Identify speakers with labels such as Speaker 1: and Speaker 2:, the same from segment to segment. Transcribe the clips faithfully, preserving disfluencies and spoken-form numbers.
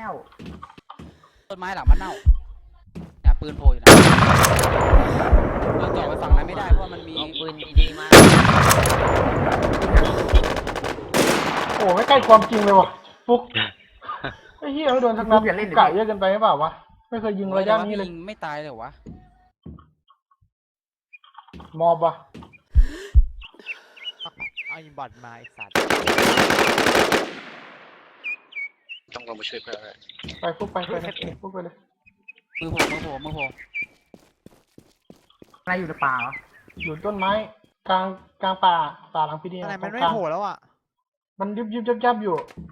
Speaker 1: แล้ว
Speaker 2: ต้นไม้หลังมันเน่าเนี่ยปืนโผล่อยู่นะเราจ่อไปฝั่งนั้นไม่ได้เพราะมันมี
Speaker 3: ปืนดีๆมา
Speaker 4: โอ้ไม่ใกล้ความจริงเลยว่ะฟุกไอ้เหี้ยไม่โดนทักนัดไก่เยอะเกินไปหรือเปล่าวะไม่เคยยิงระยะนี้เลย
Speaker 2: ยิงไม่ตายเลยวะ
Speaker 4: มอบวะ
Speaker 5: เอาอินบอดมาไอ้สัตว์
Speaker 6: ต้องลงมาช่วยเพื่อนเลย
Speaker 4: ไปฟุกไปไปเลยฟุกไปเลย
Speaker 2: มือโผล่มือโผล่มือโผล่
Speaker 1: อะไรอยู่ในป่าเหรอ
Speaker 4: อยู่ต้นไม้กลางกลางป่าป่าหลังพี่ดี
Speaker 5: อะไรมันไม่โผล่แล้วอ่ะ
Speaker 4: มันยุบยุบยับยับอยู่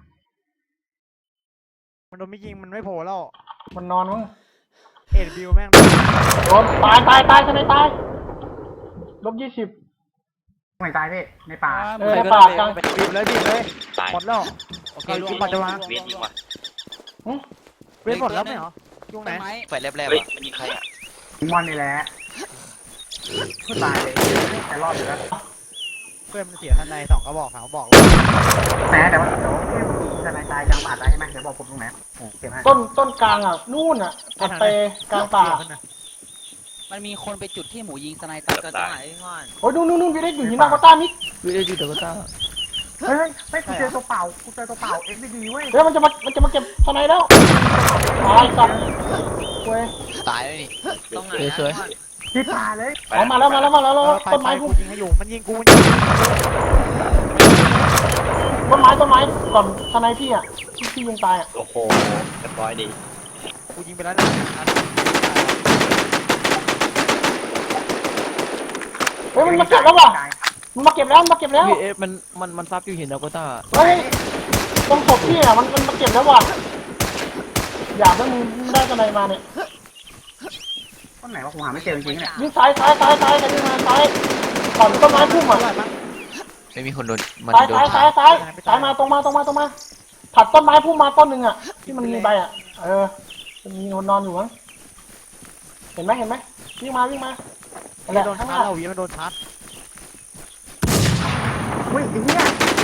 Speaker 5: มันโดนไม่ยิงมันไม่โผล่แล้ว
Speaker 4: มันนอนมั้ง
Speaker 5: เอ็ดบิวแม่ง
Speaker 4: โดนตายตายตายทนายตายลบยี่สิบ
Speaker 1: ไม่ตายพี่ในป่า
Speaker 4: เออในป่ากลาง
Speaker 5: บีบเลยบีบเลยหมดแล้ว
Speaker 2: โอเค
Speaker 5: ลุงปัจจุบัน
Speaker 6: เวียนยิงว่ะ
Speaker 5: เวียนหมดแล้วไหมเหรอยุงไหน
Speaker 3: ไฟแลบๆ
Speaker 6: เฮ้ย
Speaker 3: อ่ะ
Speaker 6: มันยิงใครอ่ะ
Speaker 1: มอนนี่แหละตายเลยแต่รอดอยู่แล้ว
Speaker 5: เพื่อนมันเสียทันในสองกระบอกสามกระบอก
Speaker 1: แหมแต่ว่าเดี๋ยวทนายตายกลางป่าตายใช่ไหมเดี๋ยวบอกผมตรงไหนเก็บให้
Speaker 4: ต้นต้นกลางอ่ะนู่นอ่ะถัดไปกลางป่า
Speaker 2: มันมีคนไปจุดที่หมูยิงสไนเปอร์
Speaker 3: ก็ต้องหายก่อน
Speaker 4: โอ้ยนู่นนู่นนู่นพี่เล็กอยู่หินนากต้ามิด
Speaker 1: วิดีโอดีตัวต้าเฮ้ยเฮ้ยกูเจอตัวเปล่ากูเจอตัวเปล่าเอ็กซ์ดีเว้ย
Speaker 4: เฮ้ยมันจะมามันจะมาเก็บทนายแล้วตายสัตว์เว้ย
Speaker 3: ตายเลยนี่ต้องหายสวย
Speaker 1: ที่ป่าเลย
Speaker 4: อ๋อมาแล้วมาแล้วมาแล้วต้นไม้กู
Speaker 5: ยิงให้อยู่มันยิงกูมันยิง
Speaker 4: ต้นไม้ต้นไม้ก่อนทนายพี่อ่ะที่พี่ยิงตายอ่ะ
Speaker 6: โอ้โหเรียบร้อยดี
Speaker 5: กูยิงไปแล้วนะ
Speaker 4: เฮ้ยมันมาเก็บแล้วว่ะมันมาเก็บแล้วมาเก็บแล้ว
Speaker 3: เอฟมันมันมันซับอยู่เห็นดาวโกต้า
Speaker 4: เฮ้ยตรงศพพี่อ่ะมันมันมาเก็บแล้วว่ะอยากให้มึงได้กันไหนมาเนี่ย
Speaker 1: ต้นไหนวะผมหาไม่เจอจริงๆเนี่ย
Speaker 4: ยิงซ้ายซ้ายซ้ายซ้ายกันยิงมาซ้ายก่อนต้นไม้พุ่มอ่ะ
Speaker 3: ไม่มีคนโดนมัน
Speaker 4: ซ้าย
Speaker 3: โดน
Speaker 4: ซ้ายซ้ายซ้ายซ้ายมาตรงมาตรงมาตรงมาผัดต้นไม้พุ่มมาต้นหนึ่งอ่ะที่มันมีใบอ่ะเออมันมีคนนอนอยู่มั้งเห็นไหมเห็นไหมวิ่งมาวิ่งมา
Speaker 5: อะไรโดนชาร์จเราวิ่งมาโดนชาร์จ
Speaker 1: อุ้ยไอ้เหี้ย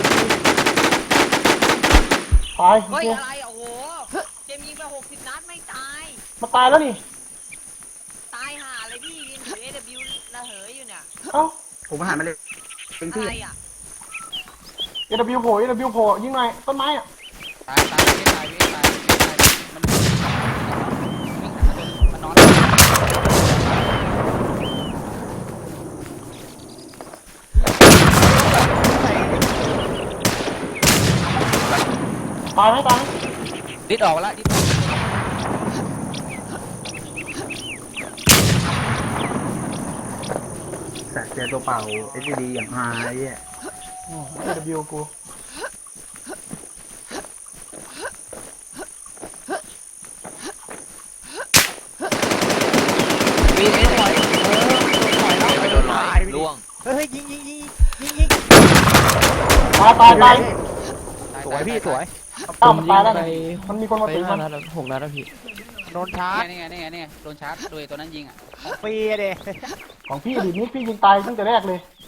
Speaker 4: ตาย
Speaker 3: เฮ้ยอะไรโอ้โหเจมยิงไปหกสิบนัดไม่ตาย
Speaker 4: มาตายแล้วนี่
Speaker 3: ตายห่าเลยพี่ยิงถือ เอ ดับเบิลยู ระเหยอยู่เนี่ย
Speaker 4: เอ้า
Speaker 1: ผมมาหามาเลยเป็นที่
Speaker 3: อะไรอ่ะ
Speaker 4: เอ ดับเบิลยู โผล่ เอ ดับเบิลยู โผล่ยิงหน่อยต้นไม้อ่ะ
Speaker 2: ตายตายไม่ตายไม่ตายไม่ตายมันมันนอน
Speaker 4: ตายไหมตาย
Speaker 2: ดิดออกแล้วดิด
Speaker 1: แต่เจอตัวเปล่าเอ็กซ์ดีอย่างหายอ่ะ
Speaker 4: เอ ดับเบิลยู กู
Speaker 3: วีเอสถอยไปโดนลอยล่วง
Speaker 5: เฮ้ยยิงยิงยิงยิงยิง
Speaker 4: ตายตายตาย
Speaker 5: สวยพี่สวย
Speaker 4: ตายตายแล้วมันมีคนมาตีมัน
Speaker 3: หกนัดแล้วพี่
Speaker 5: โดนชาร์จ
Speaker 2: นี่ไงนี่ไงนี่ไงโดนชาร์จโดยตัวนั้นยิงอ่ะ
Speaker 5: ฟรีเด้
Speaker 4: ของพี่ดิมิดพี่ยิงตายตั้งแต่แรกเลย